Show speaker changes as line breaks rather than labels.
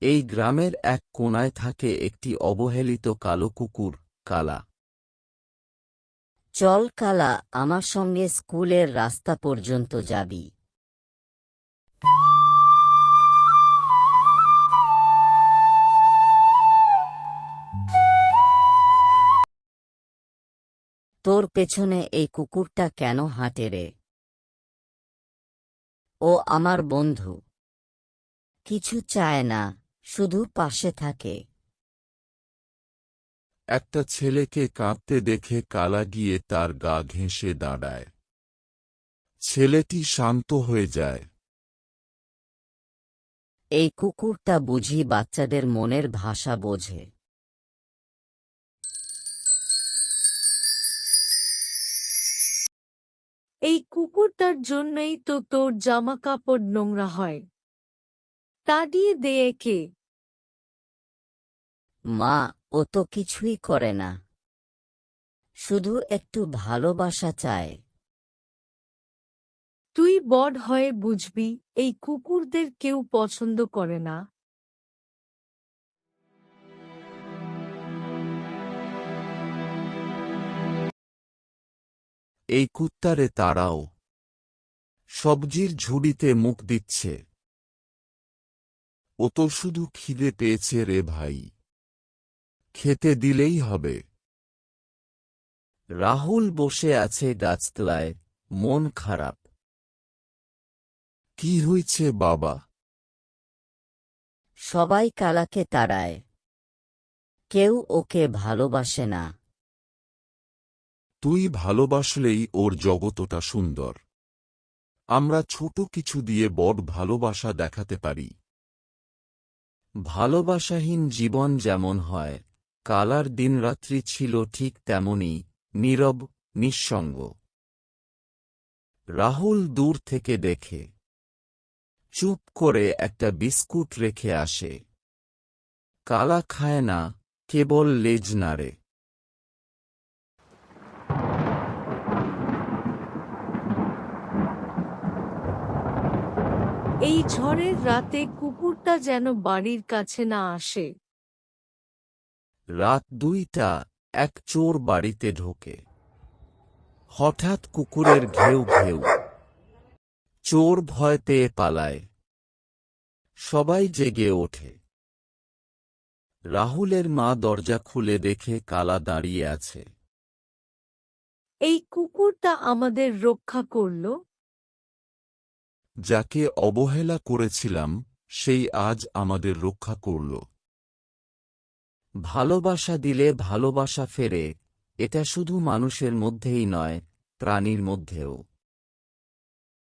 এই গ্রামের এক কোণায় থাকে একটি অবহেলিত কালো কুকুর, কালা।
চল কালা, আমার সঙ্গে স্কুলের রাস্তা পর্যন্ত যাবি। তোর পেছনে এই কুকুরটা কেন হাঁটে রে? ও আমার বন্ধু। কিছু চায় না, শুধু পাশে থাকে।
একটা ছেলেকে কাঁদতে দেখে কালা গিয়ে তার গা ঘেঁষে দাঁড়ায়। ছেলেটি শান্ত হয়ে যায়।
এই কুকুরটা বুঝি বাচ্চাদের মনের ভাষা বোঝে।
এই কুকুরটার জন্যই তো তোর জামা কাপড় নোংরা হয়। তাড়িয়ে দে একে।
মা, ও তো কিছুই করে না, শুধু একটু ভালোবাসা চায়।
তুই বড় হয়ে বুঝবি, এই কুকুরদের কেউ পছন্দ করে না।
এই কুত্তারে তাড়াও। সবজির ঝুড়িতে মুখ দিচ্ছে। ও তো শুধু খিদে পেয়েছে রে ভাই। খেতে দিলেই হবে।
রাহুল বসে আছে গাছতলায়, মন খারাপ।
কি হয়েছে বাবা?
সবাই কালাকে তাড়ায়, কেউ ওকে ভালোবাসে না।
তুই ভালোবাসলেই ওর জগতটা সুন্দর। আমরা ছোট কিছু দিয়ে বড় ভালোবাসা দেখাতে পারি।
ভালোবাসাহীন জীবন যেমন হয়, কালার দিনরাত্রি ছিল ঠিক তেমনি, নীরব, নিঃসঙ্গ। রাহুল দূর থেকে দেখে, চুপ করে একটা বিস্কুট রেখে আসে। কালা খায় না, কেবল লেজ নাড়ে।
এই ঝড়ের রাতে কুকুরটা যেন বাড়ির কাছে না আসে।
রাত 2টা, এক চোর বাড়িতে ঢোকে। হঠাৎ কুকুরের ঘেউ ঘেউ। চোর ভয় পেয়ে পালায়। সবাই জেগে ওঠে। রাহুলের মা দরজা খুলে দেখে কালা দাঁড়িয়ে আছে।
এই কুকুরটা আমাদের রক্ষা করল।
যাকে অবহেলা করেছিলাম সেই আজ আমাদের রক্ষা করল।
ভালোবাসা দিলে ভালোবাসা ফেরে, এটা শুধু মানুষের মধ্যেই নয়, প্রাণীর মধ্যেও।